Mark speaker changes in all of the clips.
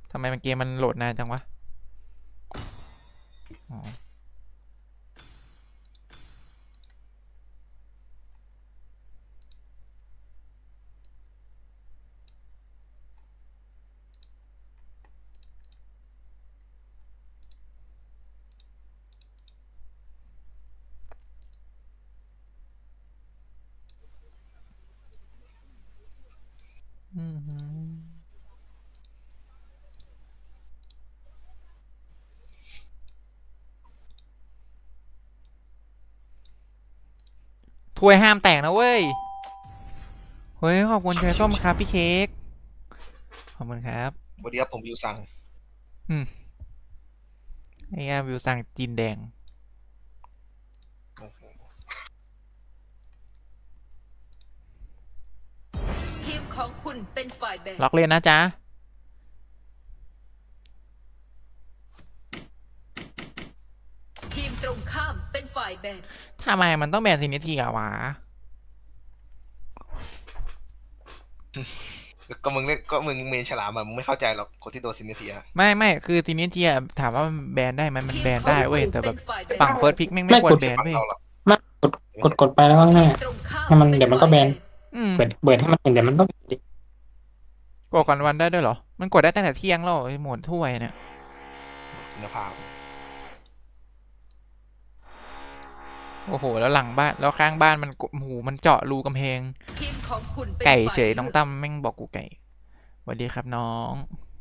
Speaker 1: ทำไมมันเกมมันโหลดนานจังวะอ๋อถ้วยห้ามแตกนะเว้ยเฮ้ยขอบคุณเชยส้มครับพี่เค้กขอบคุณครับ
Speaker 2: สวัสดีครับผมวิวซัง
Speaker 1: ไอ้วิวสั่งจีนแดง
Speaker 2: โอ้โห
Speaker 3: ทีมของคุณเป็นฝ่ายแบ่ง
Speaker 1: ล็อกเลยนะจ๊ะ
Speaker 3: ทีมตรงข้ามเป็นฝ่ายแบ่ง
Speaker 1: ทำไมมันต้องแบนซินิทีอะวะ
Speaker 2: ก็มึงเล่นก็มึงเมนฉลามอะมึงไม่เข้าใจหรอกคนที่โดนซินเนเทีย
Speaker 1: ไม่คือซินิทีอะถามว่าแบนได้ไหมมันแบนได้เว้ยแต่แบบ
Speaker 3: ฝั่
Speaker 1: ฝั่งเฟิร์สพิกแม่งไม่ควรแบน
Speaker 2: ฝั่ง
Speaker 1: เว้ย
Speaker 2: เราหรอก
Speaker 4: ไม่กดไปแล้วง่ายให้มันเดี๋ยวมันก็แบนเปิดให้มันเห็นเดี๋ยวมันต้อง
Speaker 1: กดก่อนวันได้ด้วยเหรอมันกดได้ตั้งแต่เที่ยงแล้วหมดถ้วยเนี่ย
Speaker 2: คุณภาพ
Speaker 1: โอ้โหแล้วหลังบ้านแล้วข้างบ้านมันหูมันเจาะรูกำแพง
Speaker 3: ทีมของคุณเป็น
Speaker 1: ไก่
Speaker 3: ฝ่าย
Speaker 1: เฉยน้องตั้มแม่งบอกกูไก่สวัสดีครับน้อง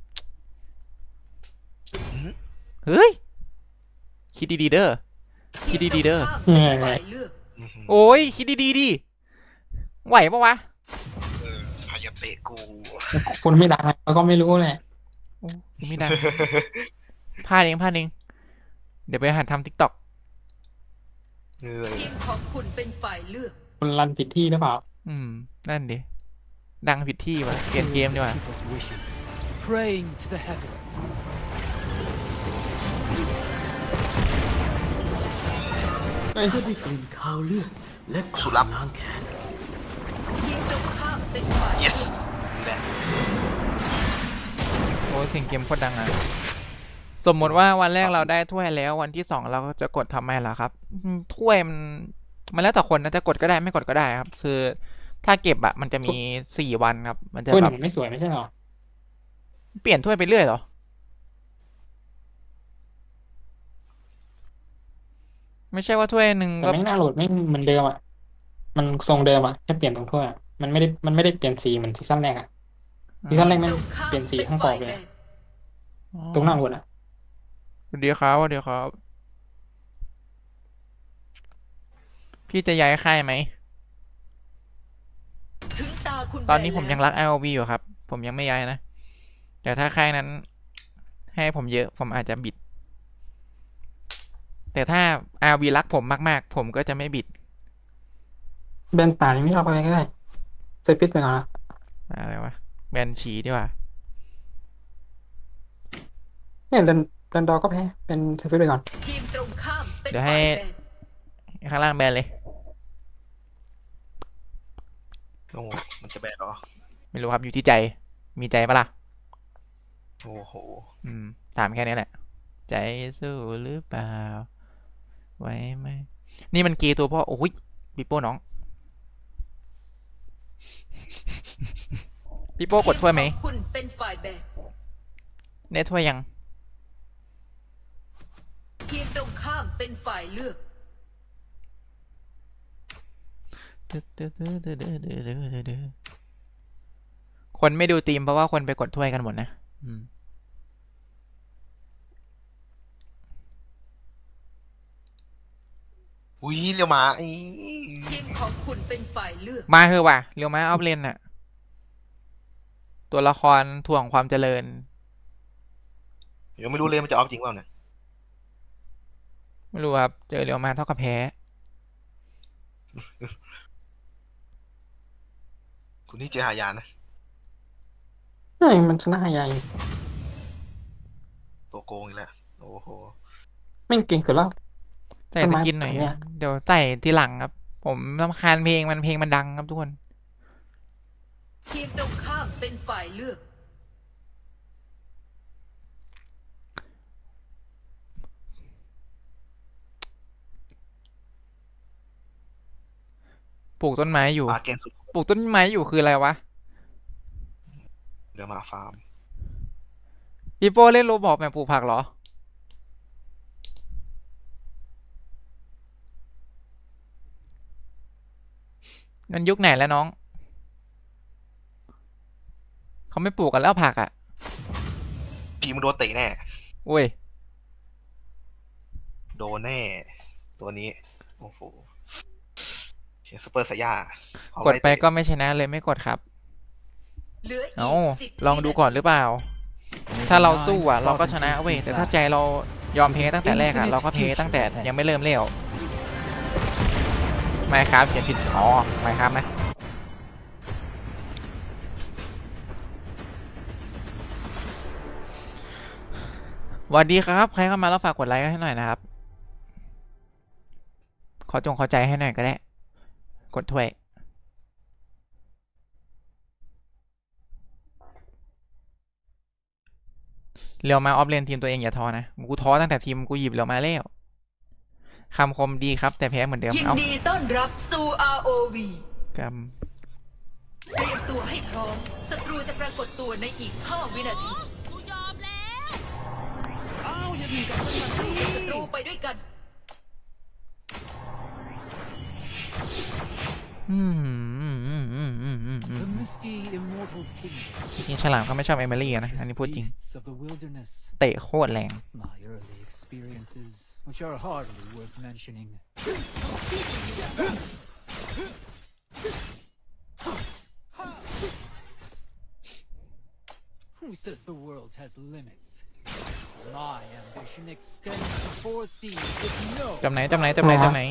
Speaker 1: เฮ้ยคิดดีๆเด้อคิดดีๆเด้อ
Speaker 3: เป็นฝ่ายเลือก
Speaker 1: โอ้ยคิดดีๆดิไหวปะวะ
Speaker 2: พายาเตะกู
Speaker 4: คุณไม่ดังแล้วก็ไม่รู้แหละ
Speaker 1: โอ้ยไม่ได้พลาดเองเดี๋ยวไปหัดทำทิกตอก
Speaker 3: ทีมของคุณเป็นฝ่ายเลือก
Speaker 4: คุณรันผิดที่หรือเปล่า
Speaker 1: นั่นดิดังผิดที่วะเปลี่ยนเกมดีกว่า
Speaker 5: Praying to the heavens.
Speaker 4: เฮ้ย
Speaker 5: เพื่อได้กลิ่นคาวเลือดและกลิ่นล้างแค้น
Speaker 3: ทีมตรงข้ามเป็นฝ่าย
Speaker 2: yes นี่แหละ
Speaker 1: โอ้ยเสียงเกมโคตรดังอ่ะสมมติว่าวันแรกเราได้ถ้วยแล้ววันที่2เราจะกดทำไมล่ะครับถ้วยมันแล้วแต่คนนะจะกดก็ได้ไม่กดก็ได้ครับคือถ้าเก็บอะมันจะมี4 วันครับมันจะ
Speaker 4: คุณ
Speaker 1: แบบ
Speaker 4: ไม่สวยไม่ใช่หรอ
Speaker 1: เปลี่ยนถ้วยไปเรื่อยเหรอไม่ใช่ว่าถ้วยหนึ่ง
Speaker 4: แต่
Speaker 1: ก็
Speaker 4: ไม่น่าโหลดไม่เหมือนเดิมอ่ะมันทรงเดิมอ่ะแค่เปลี่ยนตรงถ้วยมันไม่ได้เปลี่ยนสีเหมือนซีซั่นแรกอ่ะซีซั่นแรกมันเปลี่ยนสีข้างกรอบเลยตรงหน้าโหลดอ่ะ
Speaker 1: เดี๋ยวครับพี่จะย้ายค่ายไหมตอนนี้ผมยังรัก ROV อยู่ครับผมยังไม่ย้ายนะแต่ถ้าค่ายนั้นให้ผมเยอะผมอาจจะบิดแต่ถ้า RV รักผมมากๆผมก็จะไม่บิด
Speaker 4: แบนป่านี่ไม่ชอบอะไรก็ได้ใส่พิษไปก่อนนะ
Speaker 1: อะไรวะแบนฉีดีกว่า
Speaker 4: เนี่ยเดินดอก็แพ้เป็นใส่พิษไปก่อน
Speaker 3: ทีมตรงข้ามเป็น
Speaker 1: เดี๋ยวให้ข้างล่างแบนเลย
Speaker 2: โอ้มันจะแบนเหรอ
Speaker 1: ไม่รู้ครับอยู่ที่ใจมีใจปะล่ะ
Speaker 2: โอ้โห
Speaker 1: ถามแค่นี้แหละใจสู้หรือเปล่าไว้ไหมนี่มันเกย์ตัวพ่อโอ้ยปิโป้น้องปิโป้กดถ้วยไหม
Speaker 3: คุณเป็นฝ่ายแบ่ง
Speaker 1: เนถ้วยยัง
Speaker 3: ทีมตรงข้ามเป็นฝ่ายเลือก
Speaker 1: คนไม่ดูทีมเพราะว่าคนไปกดถ้วยกันหมดนะ
Speaker 2: อุ้ยเรียวมา
Speaker 3: ทีมของคุณเป็นฝ่ายเลือก
Speaker 1: มาเถอะว่ะเรียวมาออฟเลนน่ะตัวละครถ่วงความเจริญ
Speaker 2: ยังไม่รู้เลยมันจะออฟจริงเปล่าเนี่ย
Speaker 1: ไม่รู้ครับเจอเรียวมาเท่ากับแพ้
Speaker 2: คุณนี่เจอหายานะ
Speaker 4: เฮ้ยมันชนะใหญ่
Speaker 2: ตัวโกงอีกแล้วโอ้โห
Speaker 4: แม่งเก่งสุดแล้ว
Speaker 1: ใส่ตะกินหน่อยเดี๋ยวใส่ทีหลังครับผมรำคาญเพลงมันดังครับทุกคน
Speaker 3: ทีมตรงข้ามเป็นฝ่ายเลือก
Speaker 1: ปลูกต้นไม้อยู่
Speaker 2: ปลาเก่งสุด
Speaker 1: ปลูกต้นไม้อยู่คืออะไรวะ
Speaker 2: เดี๋ยวมาฟาร์ม
Speaker 1: อีโป้เล่นโรบอกแบบปลูกผักเหรอ มันยุคไหนแล้วน้อง เขาไม่ปลูกกันแล้วผักอ่ะ
Speaker 2: ทีมงโดนเตะแน่
Speaker 1: อุ้ย
Speaker 2: โดนแน่ ตัวนี้ โอ้โหเชียร์ซูเปอร์ไซย่าก
Speaker 1: ดไปก็ไม่ชนะเลยไม่กดครับ
Speaker 3: เหลืออี
Speaker 1: เอา
Speaker 3: ก10
Speaker 1: ลองดูก่อนหรือเปล่า ถ้าเราสู้อ่ะ เราก็ชนะเว้ย แต่ถ้าใจเรายอมแพ้ตั้งแต่แรกอ่ะ เราก็แพ้ตั้งแต่ยังไม่เริ่มเลี้ยวไม่ครับเขียนผิด อ๋อไม่ครับนะ สวัสดีครับ ใครเข้ามาแล้วฝากกดไลค์ให้หน่อยนะครับ ขอใจให้หน่อยก็ได้ กดถ้วย เรียวมาออฟเลนทีมตัวเองอย่าท้อนะ กูท้อตั้งแต่ทีมกูหยิบเรียวมาแล้วคำคมดีครับ แต่แพ้เหมือนเดิม
Speaker 3: ยิน
Speaker 1: เอ้า
Speaker 3: ดีต้อนรับสู่ ROV
Speaker 1: ก
Speaker 3: เตรียมตัวให้พร้อม ศัตรูจะปรากฏตัวในอีก 5 วินาทีสู้กับศัตรูไปด้วยกัน
Speaker 5: The misty immortal kingdom.
Speaker 1: จริงๆฉลามเขาไม่ชอบเอมิลี่นะ อันนี้พูดจริง
Speaker 5: Beasts of the wilderness.
Speaker 1: เตะโคตรแรง
Speaker 5: My early experiences, which are hardly worth mentioning. Who says the world has limits? My ambition extends to 4 seas with no
Speaker 1: จำไหน
Speaker 4: เดี๋ยวให้
Speaker 1: เ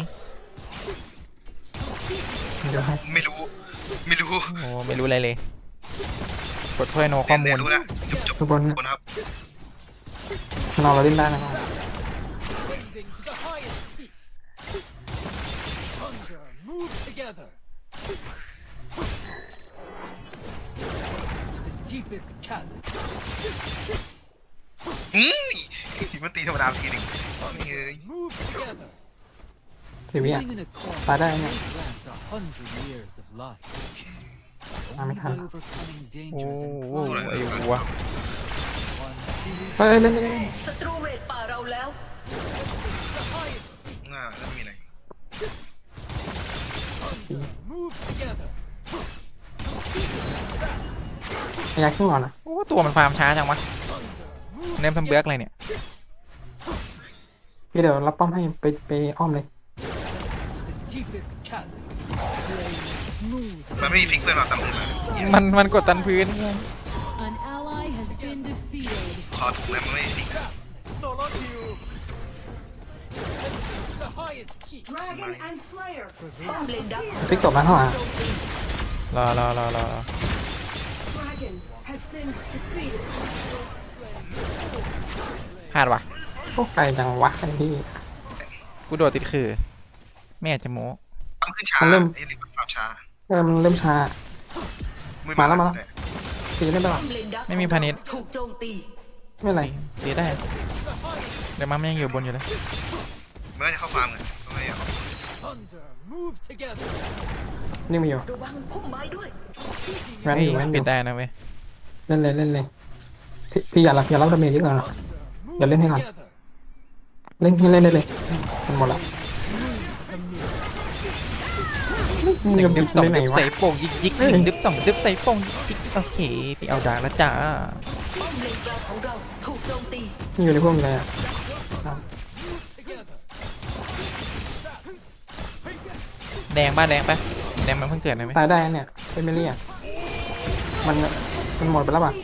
Speaker 2: ไม่รู้
Speaker 1: โอ้ไม่รู้อะไรเลย กดถ้วยโนข้อมูล
Speaker 2: รู้แล้วจบ
Speaker 4: ทุกคน
Speaker 2: คนครับ
Speaker 4: เราเล่นได้นะครับ
Speaker 5: ascending to the highest peaks. Hunger, move together. To the deepest chasm.
Speaker 2: มันตีธรรมดาทีหนึ่งนี่เอ้ย
Speaker 5: Move together.
Speaker 4: สิวิอ่ะ
Speaker 5: Living in a corner
Speaker 4: ตายได้เนี่ย
Speaker 5: grants 100 years of life.
Speaker 4: มาไม่
Speaker 5: Only
Speaker 4: ทัน
Speaker 5: by overcoming
Speaker 1: โอ้
Speaker 5: dangers and
Speaker 1: โห
Speaker 5: climbing
Speaker 1: ไอ้วัว
Speaker 5: one
Speaker 4: เฮ้ยเล่น
Speaker 3: ศัตรูเรดป่าเราแล้ว
Speaker 2: ง่าแล้วมีอะไร
Speaker 5: move together.
Speaker 4: อยากขึ้นก่อนนะ
Speaker 1: โอ้ตัวมันฟาร์มช้าจังวะเนมทำเบือกอะไรเนี่ย
Speaker 4: พี่เดี๋ยวรับป้อมให้ไปอ้อมเลย
Speaker 5: The deepest chasms. Playing smooth.
Speaker 2: มันไม่มีฟิกเพื่อนเราตามมือมา
Speaker 1: มันกดตันพื้น
Speaker 6: An ally has been defeated.
Speaker 2: ขอถูกแล้วมันไม่มีฟิก
Speaker 5: Solo kill. The highest peak.
Speaker 3: ป้อมเลนดักของ
Speaker 4: ฟิกตบมาเข้ามา
Speaker 1: รอพลาดว่ะ
Speaker 4: พวกไกลจังวะไอ้พี่
Speaker 1: กูโดดติดคือ ไม่อยากจะโม้
Speaker 2: ทำขึ้นช้า
Speaker 4: มันเริ่ม
Speaker 2: ไอ้นี่มันปรับช้า
Speaker 4: มันเริ่มช้า
Speaker 2: ไม่
Speaker 4: มาแล้ว
Speaker 2: ต่
Speaker 4: ตีเล่นได้
Speaker 3: ป้
Speaker 4: ปะ
Speaker 3: อมเลนดัก
Speaker 1: ไม่มีพาณิชย์
Speaker 3: ถูกโจมตี
Speaker 4: ไม่เป็นไร
Speaker 1: ตีได้ เดี๋ยวมันยังอยู่บนอยู่เลย
Speaker 2: มันก็จะเข้าฟาร์มเลยทำไมอ่ะ
Speaker 5: Thunder, move together.
Speaker 4: นี่มีอยู่
Speaker 3: ระวังพุ่มไม้ด้วย
Speaker 4: แวนอยู่แวนอ
Speaker 1: ปิ
Speaker 4: ยู่
Speaker 1: ดได้นะเว้ย
Speaker 4: เล่นเลยพี่อย่ารับดาเมจเยอะก่อนนะ
Speaker 5: Move
Speaker 4: Giờ lên thế nào?
Speaker 5: together.
Speaker 4: เล่นได้เลยมันหมดละมึง
Speaker 1: หนึ่
Speaker 4: จะ
Speaker 1: งดึบสอง
Speaker 4: เล่นไหน
Speaker 1: ดึบ
Speaker 4: วะ
Speaker 1: ใส่โป่งยิกหนึ่งดึบสองดึบใส่โป่งยิกโอเคไปเอาดาแล้วจ้า
Speaker 3: ป้อมเลนกลางของเราถูกโจมตี
Speaker 4: นี่อยู่ในพวกมึงเลยอ่ะ
Speaker 5: Together.
Speaker 1: แดงป่ะแดงมันเพิ่งเกิดนะเว้ย
Speaker 4: ตายได้เนี่ยเป็นไม่เรียกมันหมดไปแล้วป่ะ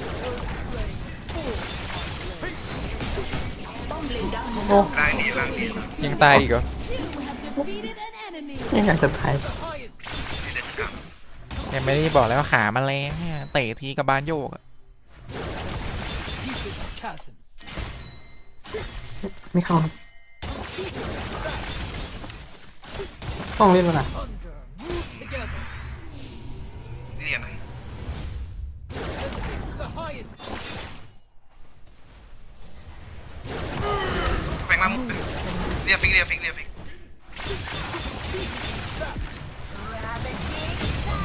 Speaker 3: ป้อมเลนดักของ
Speaker 4: โอ้
Speaker 2: ร่างดีร่างดี
Speaker 1: ยังตายอีกเหรอ
Speaker 6: You have defeated an enemy.
Speaker 4: ยังอยากจะตาย
Speaker 2: นี่เด็ดกรรม
Speaker 1: ยังไม่ได้บอกแล้วว่าขามันแรงเนี่ยเตะทีกับบานโยกอะ
Speaker 5: Deepest chasms.
Speaker 4: ไม่เข้าครับต้องเล่นแล้วนะ
Speaker 5: Thunder, move together.
Speaker 2: นี่เรียนไหน
Speaker 5: The highest
Speaker 2: แปลงร่างมุกเรียกฟิก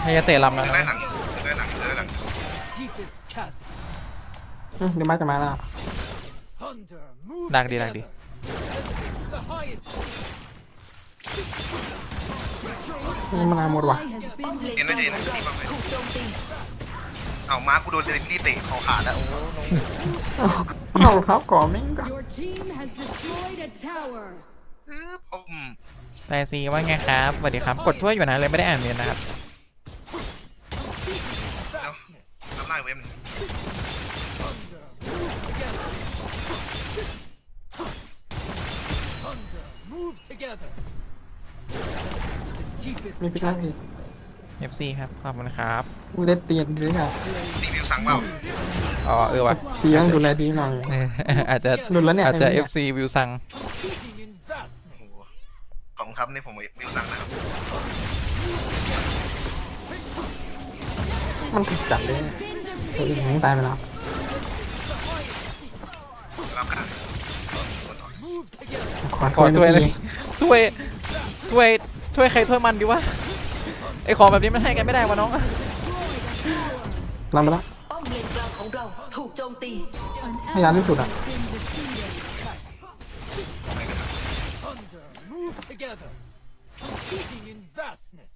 Speaker 1: ให้จะเตะลำแล้ว
Speaker 2: เดิน
Speaker 1: นะ
Speaker 2: ได้หลังเดินได้หลังเดินได้หลัง
Speaker 5: Deepest chasms.
Speaker 4: เดี๋ยวมาจะมาแล้ว
Speaker 5: Thunder, move
Speaker 1: ดักดีดักดี
Speaker 5: together. The highest.
Speaker 4: นี่มันหมดว่ะ
Speaker 6: Ally has
Speaker 3: ป้อม
Speaker 6: been
Speaker 3: เลน
Speaker 2: เอ็น
Speaker 3: ก
Speaker 2: ได้
Speaker 3: ลาง
Speaker 2: เจน
Speaker 3: ของ
Speaker 2: นะ
Speaker 3: เรา
Speaker 2: นี่บ้างไหม
Speaker 3: ถูกโจมตี
Speaker 2: เอามากูโดนเดนนี่เตะเขาขาดแล้วโอ้โห
Speaker 4: เอาครับก่อนแม่งก็
Speaker 6: Your team has destroyed a tower.
Speaker 1: แต่ซีว่าไงครับสวัสดีครับ กดถ้วยอยู่นะเลยไม่ได้อ่านเมนนะครับ
Speaker 5: Vastness.
Speaker 2: ทำลายเว็บหนึ่ง
Speaker 5: Thunder, move together. The deepest
Speaker 4: มีพิกลาสิ
Speaker 5: chasms.
Speaker 1: FC ครับ ขอบคุณครับ
Speaker 4: กูเล่นเตียนด้วยค่ะ
Speaker 2: รีวิวสั่งเปล่า
Speaker 1: อ๋อว่ะ
Speaker 4: ซีต้องดูแลดีหน่อย
Speaker 1: เอออาจจะ
Speaker 4: หลุดแล้วเนี่ย
Speaker 1: อาจจะ
Speaker 4: ไอ้เนี่ย
Speaker 1: FC วิวซัง
Speaker 5: Competing in
Speaker 2: โอ้
Speaker 5: vastness.
Speaker 2: โหขอบคุณครับนี่ผมรีวิวสั่งนะครับ
Speaker 4: มันถูกจับเลย
Speaker 6: Been
Speaker 4: ตัว
Speaker 6: defeated.
Speaker 4: เองตายไปแล้ว
Speaker 2: รับการ
Speaker 5: Move together.
Speaker 1: ขอถ้วยเลยถ้วยถ้วยถ้วยใครถ้วยมันดีวะไอของแบบนี้มันให้กันไม่ได้วะน้อง
Speaker 4: ลำไปแล้ว
Speaker 3: ป้อมเลนกลางของเราถูกโจมตี
Speaker 6: An
Speaker 4: ให้ยาน
Speaker 6: ally
Speaker 4: ที่สุดอ่ะ
Speaker 6: has been defeated.
Speaker 5: Thunder, move together. Competing in vastness.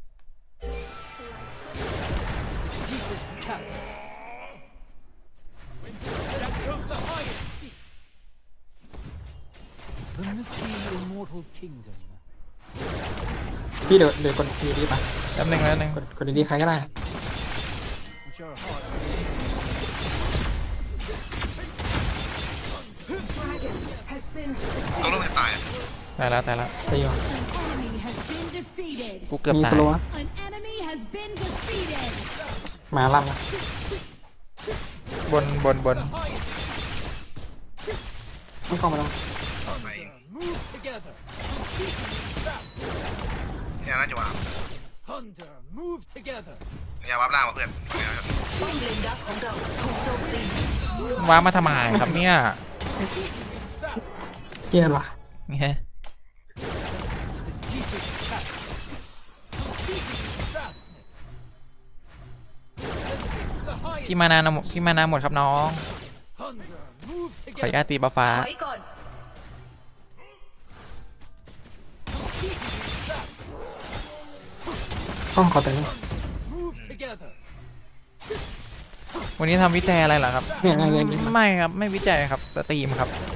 Speaker 5: Deepest chasms. From the highest peaks. The misty immortal kingdom.
Speaker 4: พี่เดี๋ยวกดดีๆป่ะ
Speaker 1: แป๊บนึงแป๊บนึง
Speaker 4: กดดีๆใครก็ได้
Speaker 5: Which are hard.
Speaker 2: ตัวลูกจะตาย
Speaker 1: ตายแล้วตายแล้ว
Speaker 4: ตีว่ะ
Speaker 6: An enemy has been defeated.
Speaker 1: กูเกือบ
Speaker 4: มี
Speaker 1: ตา
Speaker 4: ส
Speaker 1: ย
Speaker 4: โลว์อะ
Speaker 6: An enemy has been defeated.
Speaker 4: มาลั่นละ
Speaker 1: บน
Speaker 4: ไม่เข้ามาแล้ว
Speaker 2: ไปเอง
Speaker 5: Move together.
Speaker 2: เนี่ยน่าจะวาง
Speaker 5: Thunder, move together.
Speaker 2: พยายามวับล่างมาเพื่อน
Speaker 3: ป้อมเลนดักของเราถูกโจมตี
Speaker 1: ว้ามาทำไมครับเนี่ย
Speaker 4: เกลียดว่ะ
Speaker 1: เนี่ย
Speaker 5: Deepest chasms. Vastness. The
Speaker 1: พี่
Speaker 5: highest.
Speaker 1: มานาพี่มานาหมดครับน้อง
Speaker 5: Thunder, move
Speaker 1: ขออนุญาต
Speaker 5: together.
Speaker 1: ตีบัฟฟ้า
Speaker 3: ถอยก่อน
Speaker 4: ต้องขอแต่ง
Speaker 5: Move together.
Speaker 1: วันนี้ทำวิจัยอะไรเหรอครับ
Speaker 4: เนี่ย
Speaker 1: ไม่ครับ ไม่วิจัยครับสตรีมครับ